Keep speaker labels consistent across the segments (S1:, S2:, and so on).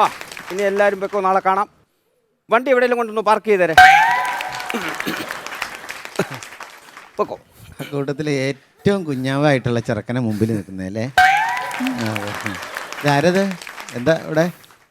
S1: ആ ഇനി എല്ലാവരും വെക്കോ, നാളെ കാണാം. വണ്ടി എവിടെയെങ്കിലും കൊണ്ടൊന്ന് പാർക്ക് ചെയ്തേരെ. വെക്കോ.
S2: കൂട്ടത്തില് ഏറ്റവും കുഞ്ഞാവായിട്ടുള്ള ചെറുക്കനെ മുമ്പിൽ നിൽക്കുന്നല്ലേ? ആരത്? എന്താ ഇവിടെ?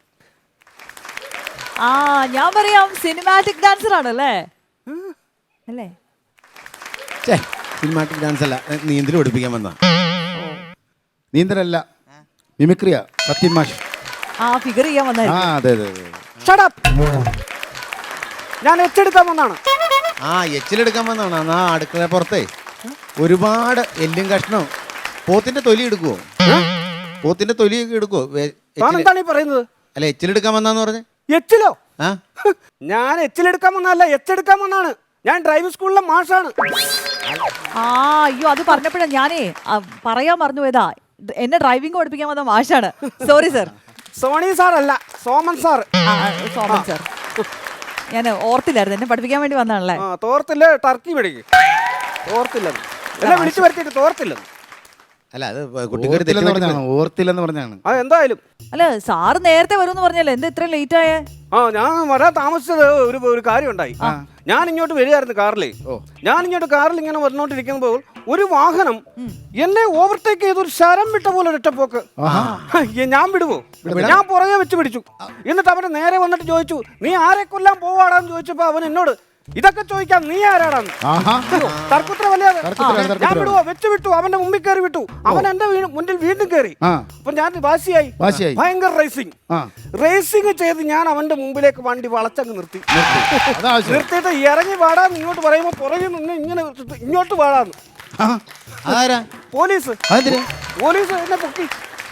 S3: ഞാൻ പറയാം സിനിമാറ്റിക് ഡാൻസർ ആണല്ലേ? അല്ലേ?
S2: സിനിമാറ്റിക് ഡാൻസ് അല്ല, നീന്തൽ പഠിപ്പിക്കാൻ വന്ന.
S4: നീന്തലല്ല, മിമിക്രിയാ. സത്യം മാഷ്
S3: ഫിഗർ ചെയ്യാൻ വന്നായിരുന്നു.
S4: അതെ അതെ അതെ.
S1: Shut up. ഞാൻ എച്ചെടുക്കാൻ വന്നാണ്.
S2: എച്ചിലെടുക്കാൻ വന്നാണ്. അടുക്കള പുറത്തേ ഒരുപാട് എല്ലും കഷ്ണം. പോത്തിന്റെ തൊലി എടുക്കുവോ? പോത്തിന്റെ തൊലിയൊക്കെ എടുക്കുവോ?
S1: എന്താണ് ഈ പറയുന്നത്?
S2: അല്ല, എച്ചിലെടുക്കാൻ വന്നാന്ന് പറഞ്ഞേ.
S1: എച്ചിലോ? ഞാൻ എച്ചിലെടുക്കാൻ വന്നല്ല, എച്ചെടുക്കാൻ വന്നാണ്. ഞാൻ ഡ്രൈവിംഗ് സ്കൂളിലെ മാഷാണ്.
S3: അയ്യോ, അത് പറഞ്ഞപ്പോഴാ ഞാനേ പറയാൻ മറന്നു പോയതാ. എന്നെ ഡ്രൈവിംഗ് പഠിപ്പിക്കാൻ വന്ന മാഷാണ്. Sorry sir.
S1: സോണി സാർ അല്ല, സോമൻ സാർ.
S3: സോമൻ സാർ. ഞാൻ ഓർത്തില്ലായിരുന്നു, എന്നെ പഠിപ്പിക്കാൻ വേണ്ടി വന്നാണല്ലേ?
S1: തോർത്തില്ല, ടർക്കി മേടിക്കും. തോർത്തില്ലെന്ന് എന്നെ വിളിച്ചു വരുത്തിട്ട് തോർത്തില്ലെന്ന്.
S2: അല്ല, അത്
S4: ഓർത്തില്ലെന്ന് പറഞ്ഞാണ്.
S1: എന്തായാലും
S3: അല്ല, സാറ് നേരത്തെ വരുമെന്ന് പറഞ്ഞല്ലേ, എന്താ ഇത്ര ലേറ്റ് ആയേ?
S1: ഞാൻ വരാൻ താമസിച്ചത് ഒരു കാര്യം ഉണ്ടായി. ഞാൻ ഇങ്ങോട്ട് വരികയായിരുന്നു കാറിലേ. ഞാൻ ഇങ്ങോട്ട് കാറിൽ ഇങ്ങനെ വന്നോണ്ടിരിക്കുമ്പോൾ ഒരു വാഹനം എന്നെ ഓവർടേക്ക് ചെയ്ത് ഒരു ശരം വിട്ട പോലെ ഒറ്റപ്പോക്ക്. ഞാൻ വിടുവോ? ഞാൻ പുറകെ വെച്ച് പിടിച്ചു. എന്നിട്ട് അവന് നേരെ വന്നിട്ട് ചോദിച്ചു, നീ ആരെ കൊല്ലാൻ പോവാടാന്ന് ചോദിച്ചപ്പോ അവൻ എന്നോട് ഇതൊക്കെ ചോദിക്കാം, നീ ആരാടാന്ന്. തർക്കുത്തരമല്ലേ? ഞാൻ വിടുവോ? വെച്ച് വിട്ടു. അവന്റെ മുമ്പിൽ കയറി വിട്ടു. അവൻ എന്റെ മുന്നിൽ വീണ്ടും കയറി. അപ്പൊ ഞാൻ വാശിയായി. ഭയങ്കര റേസിംഗ് ചെയ്ത് ഞാൻ അവന്റെ മുമ്പിലേക്ക് വണ്ടി വളച്ചങ്ങ് നിർത്തിയിട്ട് ഇറങ്ങി വാടാന്ന് ഇങ്ങോട്ട് പറയുമ്പോ പുറകെ നിന്ന് ഇങ്ങനെ ഇങ്ങോട്ട് വാടാന്ന്. പോലീസ് എന്നെ പൊക്കി.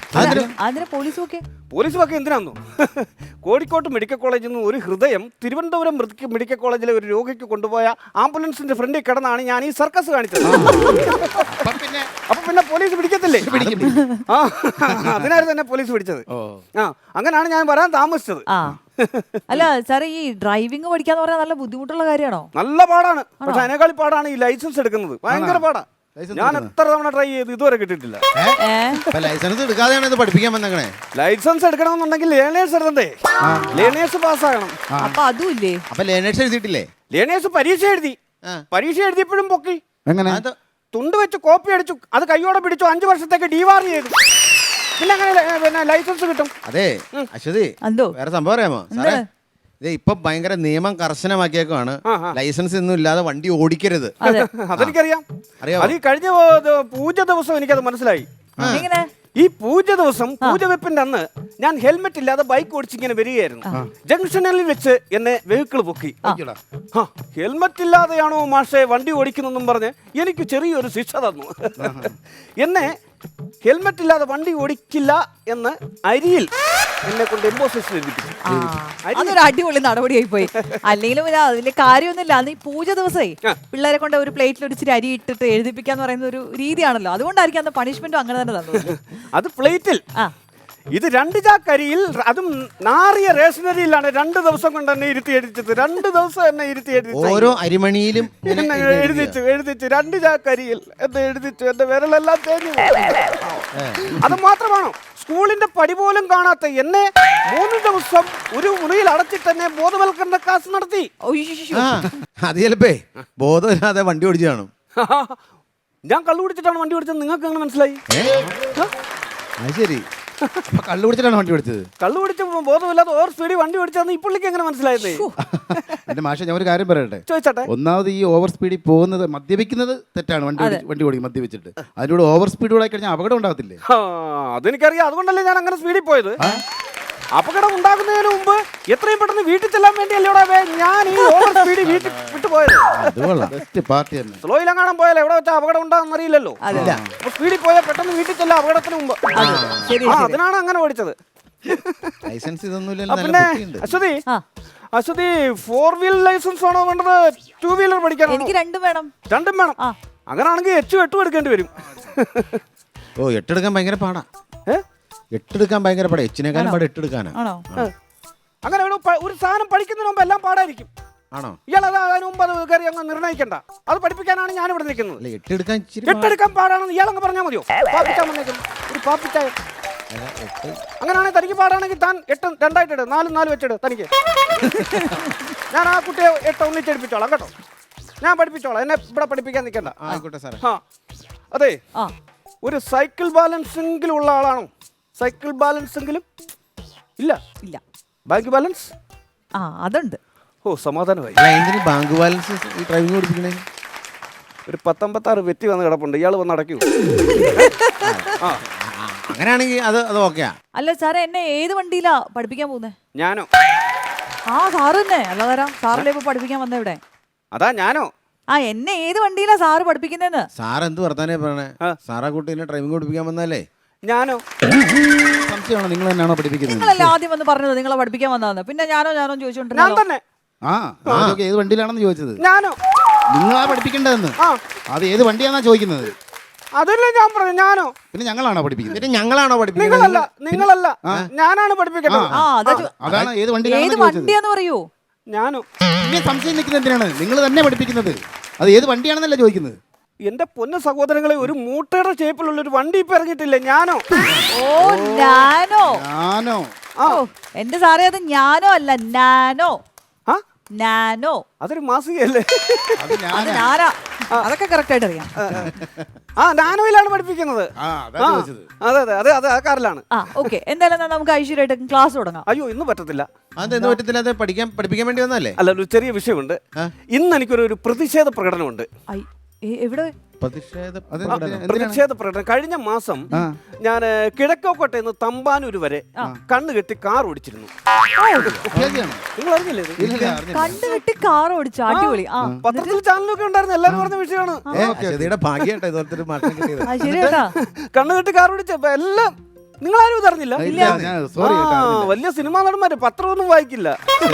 S1: പോലീസ് ഒക്കെ എന്തിനാന്നു? കോഴിക്കോട്ട് മെഡിക്കൽ കോളേജിൽ നിന്ന് ഒരു ഹൃദയം തിരുവനന്തപുരം മെഡിക്കൽ കോളേജിലെ ഒരു രോഗിക്ക് കൊണ്ടുപോയ ആംബുലൻസിന്റെ ഫ്രണ്ടിൽ കിടന്നാണ് ഞാൻ ഈ സർക്കസ് കാണിച്ചത്. അപ്പൊ പിന്നെ പോലീസ് പിടിക്കത്തില്ലേ? അതിനായിരുന്നു എന്നെ പോലീസ് പിടിച്ചത്. അങ്ങനെയാണ് ഞാൻ വരാൻ താമസിച്ചത്.
S3: അല്ല സാറേ, ഈ ഡ്രൈവിംഗ് പഠിക്കാന്ന് പറഞ്ഞാൽ നല്ല ബുദ്ധിമുട്ടുള്ള കാര്യമാണോ?
S1: നല്ല പാടാണ്. പക്ഷെ അതിനേക്കാൾ പാടാണ് ഈ ലൈസൻസ് എടുക്കുന്നത്. ഭയങ്കര പാടാ. ഞാൻ എത്ര തവണ ട്രൈ ചെയ്ത് ഇതുവരെ കിട്ടിയിട്ടില്ല.
S2: ലൈസൻസ് എടുക്കാതെയാണ് ഇത് പഠിപ്പിക്കാൻ വന്നേ.
S1: ലൈസൻസ് എടുക്കണമെന്നുണ്ടെങ്കിൽ ലേണേഴ്സ് എടുക്കണ്ടേ? ലേണേഴ്സ് പാസ്സാകണം.
S3: അപ്പൊ അതും ഇല്ലേ?
S2: അപ്പൊ ലേണേഴ്സ് എഴുതിയിട്ടില്ലേ?
S1: ലേണേഴ്സ് പരീക്ഷ എഴുതിയപ്പോഴും പൊക്കി.
S4: എങ്ങനെ?
S1: തുണ്ട് വെച്ച് കോപ്പി അടിച്ചു, അത് കയ്യോടെ പിടിച്ചു, 5 വർഷത്തേക്ക് ഡിവാർ ചെയ്തു. പിന്നെ അങ്ങനെ ലൈസൻസ് കിട്ടും.
S2: അതെ അശ്വതി, വേറെ സംഭവം അറിയാമോ സാറേ? ഇപ്പൊ ഭയങ്കര നിയമം കർശനമാക്കിയേക്കാണ്. ലൈസൻസ് ഒന്നും ഇല്ലാതെ വണ്ടി ഓടിക്കരുത്.
S1: അതെനിക്കറിയാം. അത് കഴിഞ്ഞ പൂജ ദിവസം എനിക്കത് മനസ്സിലായി. ഈ പൂജ ദിവസം, പൂജ വെപ്പിന്റെ അന്ന് ഞാൻ ഹെൽമെറ്റ് ഇല്ലാതെ ബൈക്ക് ഓടിച്ചിങ്ങനെ വരികയായിരുന്നു. ജംഗ്ഷനിൽ വെച്ച് എന്നെ വെഹിക്കിൾ പൊക്കി. ഹെൽമെറ്റ് ഇല്ലാതെയാണോ മാഷെ വണ്ടി ഓടിക്കുന്നെന്നും പറഞ്ഞ് എനിക്ക് ചെറിയൊരു ശിക്ഷ തന്നു. എന്നെ ഹെൽമെറ്റ് ഇല്ലാതെ വണ്ടി ഓടിക്കില്ല എന്ന് അരിയിൽ എന്നെ കൊണ്ട് എംബോസിഷൻ എഴുതിപ്പിച്ചു.
S3: അതൊരു അടിപൊളി നടപടിയായി പോയി. അല്ലെങ്കിലും അതിന്റെ കാര്യമൊന്നുമില്ല. അന്ന് ഈ പൂജ ദിവസമായി പിള്ളേരെ കൊണ്ട് ഒരു പ്ലേറ്റിൽ ഒരിച്ചിരി അരി ഇട്ടിട്ട് എഴുതിപ്പിക്കാന്ന് പറയുന്ന ഒരു രീതിയാണല്ലോ. അതുകൊണ്ടായിരിക്കും അന്ന് പണിഷ്മെന്റും അങ്ങനെ തന്നെ തന്നത്.
S1: അത് പ്ലേറ്റിൽ. ഇത് 2 ചാക്ക് അരിയിൽ, അതും നാറിയ റേഷനറിയിലാണ് 2 ദിവസം കൊണ്ട് എന്നെ ഇരുത്തി എഴുതിച്ചത്. 2 ദിവസം എന്നെ ഇരുത്തി എഴുതിച്ചു.
S2: ഓരോ അരിമണിയിലും
S1: എഴുതിച്ചു 2 ചാക്ക് അരിയിൽ എന്നെ എഴുതിച്ചു. എന്റെ വിരലെല്ലാം തേഞ്ഞു. അത് മാത്രമാണോ, സ്കൂളിന്റെ പടി പോലും കാണാത്ത എന്നെ 3 ദിവസം ഒരു മുറിയിൽ അടച്ചിട്ട് എന്നെ ബോധവൽക്കരണ ക്ലാസ് നടത്തി.
S2: അത് ചിലപ്പേ ബോധമില്ലാതെ വണ്ടി ഓടിച്ചു കാണും.
S1: ഞാൻ കള്ളു കുടിച്ചിട്ടാണ് വണ്ടി ഓടിച്ചത്. നിങ്ങൾക്ക് അങ്ങനെ മനസ്സിലായി?
S2: അത് ശരി. കള്ളു കുടിച്ചിട്ടാണ് വണ്ടി ഓടിച്ചത്?
S1: കള്ളു കുടിച്ച് ബോധമില്ലാതെ ഓവർ സ്പീഡിൽ വണ്ടി ഓടിച്ചതെന്ന് ഈ പുള്ളിക്ക് എങ്ങനെ മനസ്സിലായത്?
S4: എന്റെ മാഷെ, ഞാൻ ഒരു കാര്യം പറയട്ടെ?
S1: ചോദിച്ചോട്ടെ.
S4: ഒന്നാമത് ഈ ഓവർ സ്പീഡിൽ പോകുന്നത്, മദ്യപിക്കുന്നത് തെറ്റാണ്. വണ്ടി ഓടിക്കും മദ്യപിച്ചിട്ട്. അതിലൂടെ ഓവർ സ്പീഡ് ഓടായി കഴിഞ്ഞാൽ അപകടം ഉണ്ടാകത്തില്ലേ?
S1: അതെനിക്കറിയാം. അതുകൊണ്ടല്ലേ ഞാൻ അങ്ങനെ സ്പീഡിൽ പോയത്. അപകടം ഉണ്ടാകുന്നതിന് മുമ്പ് എത്രയും പെട്ടെന്ന് വീട്ടിൽ ചെല്ലാൻ വേണ്ടിയല്ലേ ഞാൻ ഈ ഓവർ സ്പീഡിൽ വീട്ടിൽ വിട്ടുപോയത്. സ്ലോയിലെങ്ങാനും പോയാലോ എവിടെ വെച്ചാൽ അപകടം ഉണ്ടാകുന്ന അറിയില്ലല്ലോ. സ്പീഡിൽ പോയാൽ പെട്ടെന്ന് വീട്ടിൽ ചെല്ലാം അപകടത്തിന് മുമ്പ്. അതിനാണ് അങ്ങനെ ഓടിച്ചത്.
S2: ലൈസൻസ് ഇതൊന്നും.
S1: പിന്നെ അശ്വതി, 4 വീലർ ലൈസൻസ് ആണോ വേണ്ടത്, 2 വീലർ പഠിക്കാനോ?
S3: എനിക്ക് രണ്ടും വേണം.
S1: അങ്ങനാണെങ്കിൽ 8 എടുക്കേണ്ടി വരും.
S2: 8 എടുക്കാൻ ഭയങ്കര പാടാ. 8 എടുക്കാൻ ഭയങ്കര പാടാ. എച്ചിനേക്കാളും പാടാ 8 എടുക്കാനാ.
S1: അങ്ങനെ ഒരു സാധനം പഠിക്കുന്നതിന് മുമ്പ് എല്ലാം പാടായിരിക്കും.
S2: ആണോ?
S1: ഇയാളത് അതിന് മുമ്പ് അത് കയറി അങ്ങ് നിർണ്ണയിക്കണ്ട. അത് പഠിപ്പിക്കാനാണ് ഞാൻ ഇവിടെ നിൽക്കുന്നത്.
S2: 8 എടുക്കാൻ
S1: പാടാണെന്ന് ഇയാളങ്ങ് പറഞ്ഞാൽ മതിയോ? പാപ്പിച്ചാൻ വന്നേക്കുന്നു ഒരു പാപ്പിച്ചായ. അങ്ങനെയാണെങ്കിൽ തനിക്ക് പാടാണെങ്കിൽ താൻ 8 2 4 4 വെച്ചിട് തനിക്ക്. ഞാൻ ആ കുട്ടിയെ 8 ഒന്നിച്ചെടുപ്പിച്ചോളാം കേട്ടോ. ഞാൻ പഠിപ്പിച്ചോളാം, എന്നെ ഇവിടെ പഠിപ്പിക്കാൻ നിൽക്കണ്ട.
S2: ആയിക്കോട്ടെ സാറേ.
S1: ആ അതെ,
S3: ആ
S1: ഒരു സൈക്കിൾ ബാലൻസ് എങ്കിലും ഉള്ള ആളാണോ? സൈക്കിൾ ബാലൻസ് എങ്കിലും ഇല്ല.
S3: ഇല്ല.
S1: ബാങ്ക് ബാലൻസ്
S3: ആ അതുണ്ട്.
S1: ഓ സമാധാനമായി.
S2: അല്ല, എന്തിന് ബാങ്ക് ബാലൻസ് ഈ ഡ്രൈവിംഗ് പഠിപ്പിക്കണേ?
S1: ഒരു 56 വെറ്റി വന്ന് കിടപ്പുണ്ട്, ഇയാൾ വന്ന് അടയ്ക്കൂ. ആ
S2: അങ്ങനെയാണെങ്കിൽ അത് ഓക്കെയാ.
S3: അല്ല സാറേ, എന്നെ ഏത് വണ്ടിയിലാ പഠിപ്പിക്കാൻ പോകുന്നേ?
S1: ഞാനോ?
S3: ആ സാറ് തന്നെ. അല്ല തരാം, സാറിലെ ഇപ്പൊ പഠിപ്പിക്കാൻ വന്ന ഇവിടെ.
S1: അതാ ഞാനോ?
S3: ആ എന്നെ ഏത് വണ്ടിയിലാ സാറ് പഠിപ്പിക്കുന്നേന്ന്?
S2: സാർ എന്ത് വർത്താനേ പറയണേ? സാറാ കുട്ടീനെ ഡ്രൈവിംഗ് പഠിപ്പിക്കാൻ വന്നല്ലേ?
S1: ഞാനോ?
S4: സംശയമാണോ നിങ്ങൾ തന്നെയാണോ പഠിപ്പിക്കുന്നത്?
S3: നിങ്ങളല്ലേ ആദ്യം വന്ന് പറഞ്ഞത് നിങ്ങളെ പഠിപ്പിക്കാൻ വന്നതെന്ന്. പിന്നെ ഞാനോ
S1: ഞാൻ
S3: ചോദിച്ചോണ്ടിരുന്നോ?
S1: തന്നെ.
S4: ആ അതൊക്കെ ഏത് വണ്ടിയിലാണെന്ന് ചോദിച്ചത്.
S1: ഞാനോ?
S4: നിങ്ങളാ പഠിപ്പിക്കേണ്ടതെന്ന്.
S1: ആ
S4: അത് ഏത് വണ്ടിയാണെന്നാ ചോദിക്കുന്നത്.
S1: അതല്ലേ ഞാൻ പറഞ്ഞു. ഞാനോ?
S4: പിന്നെ ഞങ്ങളാണോ പഠിപ്പിക്കുന്നത്?
S2: പിന്നെ ഞങ്ങളാണോ പഠിപ്പിക്കുന്നത്?
S1: നിങ്ങളല്ല, ഞാനാണ് പഠിപ്പിക്കേണ്ടത്.
S3: ആ
S4: അതാണ് ഏത്
S3: ഏത്
S4: വണ്ടിയിലാണെന്ന് ചോദിച്ചത്.
S3: വണ്ടിയാന്ന് പറയൂ.
S1: ഞാനോ?
S4: പിന്നെ സംശയം നിൽക്കുന്നത് എന്തിനാണ്? നിങ്ങൾ തന്നെ പഠിപ്പിക്കുന്നത്. അത് ഏത് വണ്ടിയാണെന്നല്ല ചോദിക്കുന്നത്.
S1: എന്റെ പൊന്ന സഹോദരങ്ങളെ, ഒരു മൂട്ടയുടെ ഷേപ്പിലുള്ള ഒരു വണ്ടി ഇപ്പൊ ഇറങ്ങിയിട്ടില്ലേ? ഞാനോ?
S3: ഓ നാനോ.
S4: ഞാനോ?
S3: ഓ എന്റെ സാറേ, അത് ഞാനോ അല്ല, നാനോ.
S1: ആ
S3: നാനോ.
S1: അതൊരു മാസികയല്ലേ?
S4: അത്
S3: അത്
S4: ഞാനാ.
S3: ഞാനാ. അതൊക്കെ കറക്റ്റ് ആയിട്ട് അറിയാം.
S1: ആ നാനോയിലാണ് പഠിപ്പിക്കുന്നത്.
S4: ആ അതാ
S1: ആ,
S4: ചോദിച്ചത്.
S1: അതെ അതെ അതെ അതെ, ആ കാറിലാണ്.
S3: ആ ഓക്കെ, എന്തായാലും എന്നാ നമുക്ക് ഐശ്വര്യമായിട്ട് ക്ലാസ് തുടങ്ങാം.
S1: അയ്യോ ഇന്ന് പറ്റത്തില്ല.
S2: അതെന്ത് പറ്റത്തില്ല? അത് പഠിപ്പിക്കാൻ വേണ്ടി വന്നല്ലേ?
S1: അല്ല, ഒരു ചെറിയ വിഷയമുണ്ട്. ഇന്ന് എനിക്കൊരു പ്രതിഷേധ പ്രകടനമുണ്ട്.
S3: ഐ, എവിടെ?
S2: പ്രതിഷേധം.
S4: അത്
S1: ആ, പ്രതിഷേധ പ്രകടനം. കഴിഞ്ഞ മാസം ഞാൻ കിഴക്കോക്കോട്ടെ നിന്ന് തമ്പാനൂര് വരെ കണ്ണു കെട്ടി കാർ ഓടിച്ചിരുന്നു.
S4: ഉദ്യോഗിയാണോ?
S1: നിങ്ങൾ അറിഞ്ഞില്ലേ ഇത്?
S4: ഇല്ല, അറിഞ്ഞില്ല.
S3: കണ്ടുകെട്ടി കാർ ഓടിച്ചു. അടിപൊളി. ആ
S1: പത്രത്തിൽ ചാനലൊക്കെ ഉണ്ടായിരുന്നു, എല്ലാവരും പറഞ്ഞ വിഷയമാണ്.
S2: അശ്വതിയുടെ ഭാഗ്യമായിട്ടോ ഇതുപോലത്തെ ഒരു മാറ്റം കിട്ടിയത്.
S3: ആ, ശരി കേട്ടാ.
S1: കണ്ണു കെട്ടി കാർ ഓടിച്ച എല്ലാം നിങ്ങളാരും ഇതറിഞ്ഞില്ല.
S4: ഇല്ല, ഞാൻ സോറി കേട്ടോ, അറിഞ്ഞില്ല.
S1: വലിയ സിനിമാ നടന്മാര് പത്രമൊന്നും വായിക്കില്ല.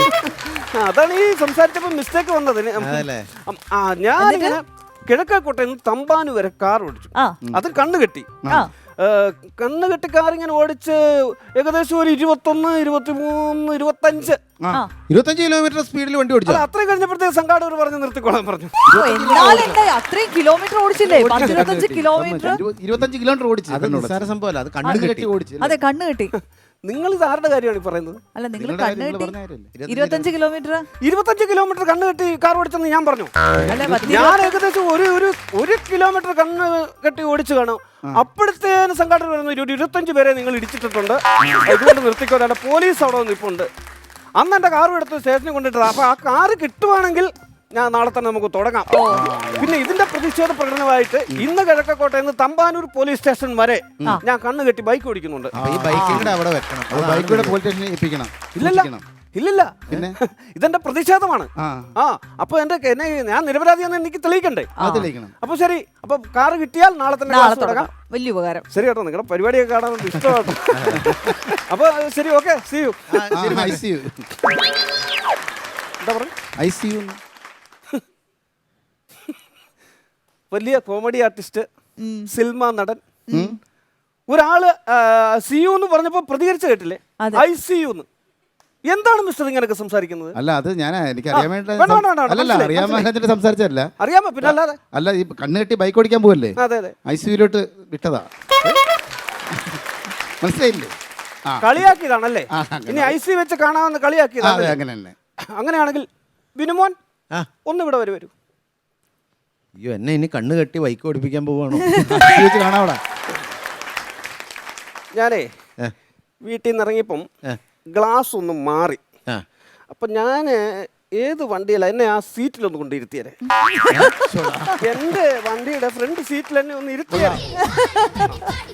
S1: അതാണ് ഈ സംസാരിച്ചപ്പോ മിസ്റ്റേക്ക് വന്നത്.
S2: അതല്ലേ?
S1: ഞാനിങ്ങനെ കിഴക്കോട്ടെ നിന്ന് തമ്പാനു വരെ കാർ ഓടിച്ചു.
S3: ആ
S1: അത് കണ്ണു കെട്ടി.
S3: ആ
S1: കണ്ണു കെട്ടി കാർ ഇങ്ങനെ ഓടിച്ച് ഏകദേശം ഒരു 21, 23, 25
S3: ആ
S2: 25 കിലോമീറ്റർ സ്പീഡിൽ വണ്ടി ഓടിച്ചു.
S1: അല്ല, അത്രയും കഴിഞ്ഞപ്പോഴത്തേക്ക് സംഘാടകർ പറഞ്ഞ് നിർത്തിക്കോളാൻ പറഞ്ഞു.
S3: ഓ, എന്നാലെന്താ അത്രയും കിലോമീറ്റർ ഓടിച്ചില്ലേ? 25 കിലോമീറ്റർ.
S4: 25 കിലോമീറ്റർ ഓടിച്ചു.
S2: അത് നിസ്സാര സംഭവമല്ല, അത് കണ്ണു കെട്ടി
S4: ഓടിച്ചു.
S3: അതെ, കണ്ണ് കെട്ടി.
S1: നിങ്ങൾ ഇത് ആരുടെ കാര്യമാണ് ഈ പറയുന്നത്?
S3: അല്ല, നിങ്ങൾ
S4: നിങ്ങളുടെ
S3: കണ്ണ്
S4: കാര്യം
S3: കെട്ടി
S4: നിങ്ങൾ പറഞ്ഞ കാര്യമല്ലേ?
S3: 25 കിലോമീറ്റർ.
S1: 25 കിലോമീറ്റർ കണ്ണു കെട്ടി കാർ ഓടിച്ചെന്ന് ഞാൻ പറഞ്ഞു.
S3: അല്ല,
S1: ഞാൻ ഏകദേശം ഒരു കിലോമീറ്റർ കണ്ണ് കെട്ടി ഓടിച്ചു കാണും. അപ്പോഴത്തേന് സംഘാടകർ പറയുന്നു, 25 പേരെ നിങ്ങൾ ഇടിച്ചിട്ടുണ്ട്, ഇതുകൊണ്ട് നിർത്തിക്കോട്ടെ. പോലീസ് അവിടെ നിൽപ്പുണ്ട്. അന്ന് എന്റെ കാർ എടുത്ത് സ്റ്റേഷനിൽ കൊണ്ടിട്ടത്. അപ്പൊ ആ കാറ് കിട്ടുവാണെങ്കിൽ ഞാൻ നാളെ തന്നെ നമുക്ക് തുടങ്ങാം. പിന്നെ ഇതിന്റെ പ്രതിഷേധ പ്രകടനമായിട്ട് ഇന്ന് കിഴക്കോട്ടെ നിന്ന് തമ്പാനൂർ പോലീസ് സ്റ്റേഷൻ വരെ ഞാൻ കണ്ണ് കെട്ടി ബൈക്ക് ഓടിക്കുന്നുണ്ട്.
S2: ഈ ബൈക്കിന്റെ അവിടെ വെക്കണം.
S4: അത് ബൈക്കിലൂടെ പോലീസ് സ്റ്റേഷനിൽ ഏൽപ്പിക്കണം.
S1: ഇല്ലില്ല,
S4: പിന്നെ
S1: ഇതെന്റെ പ്രതിഷേധമാണ്.
S3: ആ
S1: അപ്പൊ എന്നെ ഞാൻ നിരപരാധിയാണെന്ന് എനിക്ക് തെളിയിക്കണ്ടേ?
S4: അത് തെളിയിക്കണം.
S1: അപ്പൊ ശരി, അപ്പൊ കാറ് കിട്ടിയാൽ നാളെ തന്നെ
S3: നാളെ
S1: ക്ലാസ് തുടങ്ങാം.
S3: തുടങ്ങാം. വലിയ ഉപകാരം.
S1: ശരി കേട്ടോ, നിങ്ങളുടെ പരിപാടിയൊക്കെ കാണാൻ ഇഷ്ടമാട്ടോ. അപ്പൊ ശരി, ഓക്കെ, സീ യു.
S4: ICU.
S1: എന്താ പറഞ്ഞു?
S4: ICU.
S1: വലിയ കോമഡി ആർട്ടിസ്റ്റ്, സിനിമ നടൻ, ഒരാള് സിയു എന്ന് പറഞ്ഞപ്പോ പ്രതികരിച്ചു കേട്ടില്ലേ? ICU. എന്താണ് മിസ്റ്റർ ഇങ്ങനെയൊക്കെ സംസാരിക്കുന്നത്?
S4: അല്ല, അത് ഞാൻ എനിക്ക് അറിയാൻ വേണ്ടി അല്ലല്ല,
S1: മനസ്സിലായി,
S4: അറിയാൻ വേണ്ടിട്ട് സംസാരിച്ചല്ല.
S1: അറിയാമോ? പിന്നെ അല്ലാതെ.
S4: അല്ല, ഈ കണ്ണ് കെട്ടി ബൈക്ക് ഓടിക്കാൻ പോവല്ലേ,
S1: അതെ അതെ,
S4: ICUലോട്ട് വിട്ടതാ. മനസ്സിലായില്ലേ?
S1: കളിയാക്കിയതാണല്ലേ?
S4: ആ,
S1: ഇനി ICU വെച്ച് കാണാമെന്ന്
S4: അതെ,
S1: കളിയാക്കിയതാണ്.
S4: അങ്ങനെ തന്നെ.
S1: അങ്ങനെയാണെങ്കിൽ ബിനുമോൻ ഒന്ന് ഇവിടെ വരൂ.
S2: അയ്യോ, എന്നെ ഇനി കണ്ണ് കെട്ടി ബൈക്ക് ഓടിപ്പിക്കാൻ പോവാണോ?
S4: വെച്ച് കാണാവടാ.
S1: ഞാനേ വീട്ടിൽ നിന്ന് ഇറങ്ങിയപ്പം ഗ്ലാസ് ഒന്ന് മാറി. അപ്പൊ ഞാൻ ഏത് വണ്ടിയല്ല, എന്നെ ആ സീറ്റിലൊന്ന് കൊണ്ടിരുത്തിയരെ. എന്റെ വണ്ടിയുടെ ഫ്രണ്ട് സീറ്റിൽ എന്നെ ഒന്ന് ഇരുത്തിയാൽ